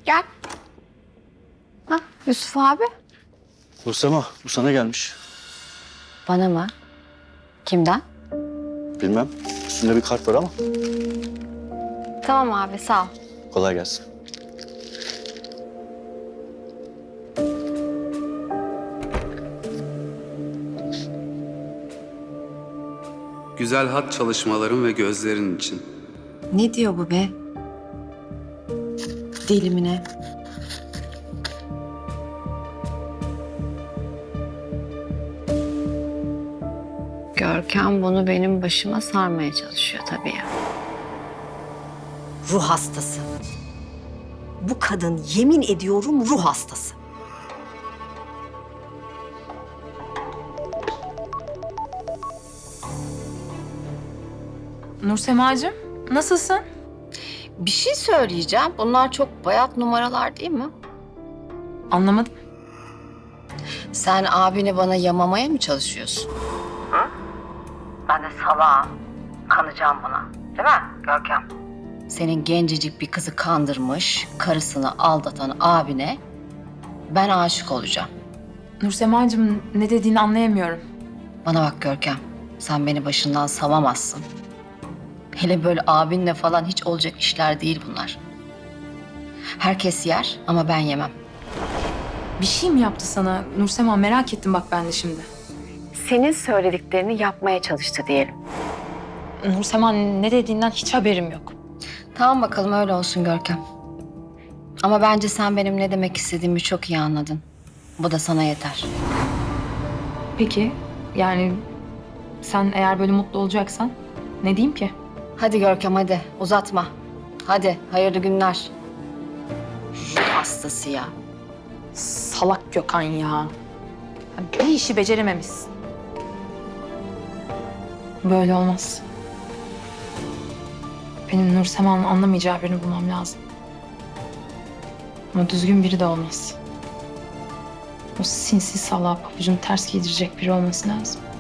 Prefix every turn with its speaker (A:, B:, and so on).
A: Gel. Ha, Yusuf abi.
B: Nursema, bu sana gelmiş.
A: Bana mı? Kimden?
B: Bilmem. Üstünde bir kart var ama
A: Tamam abi, sağ ol.
B: kolay gelsin.
C: Güzel hat çalışmaların ve gözlerin için.
A: Ne diyor bu be? Dilimine. Görkem bunu benim başıma sarmaya çalışıyor tabii ya.
D: Ruh hastası. Bu kadın yemin ediyorum ruh hastası.
E: Nursemacığım, nasılsın?
A: Bir şey söyleyeceğim. Bunlar çok bayat numaralar değil mi?
E: Anlamadım.
A: Sen abini bana yamamaya mı çalışıyorsun? Hı? Ben de salağım. Kanacağım buna. Değil mi Görkem? Senin gencecik bir kızı kandırmış, karısını aldatan abine ben aşık olacağım.
E: Nursemacığım, ne dediğini anlayamıyorum.
A: Bana bak Görkem, sen beni başından savamazsın. Hele böyle abinle falan hiç olacak işler değil bunlar. Herkes yer ama ben yemem.
E: Bir şey mi yaptı sana? Nursema, merak ettim bak ben de şimdi.
A: Senin söylediklerini yapmaya çalıştı diyelim.
E: Nursema, ne dediğinden hiç haberim yok.
A: Tamam bakalım öyle olsun Görkem. Ama bence sen benim ne demek istediğimi çok iyi anladın. Bu da sana yeter.
E: Peki, yani sen eğer böyle mutlu olacaksan ne diyeyim ki?
A: Hadi Görkem hadi uzatma. Hadi hayırlı günler. Ruh hastası ya.
E: Salak Gökhan ya. Bir işi becerememişsin. Böyle olmaz. Benim Nursema'nın anlamayacağı birini bulmam lazım. Ama düzgün biri de olmaz. O sinsi salağa pabucunu ters giydirecek biri olması lazım.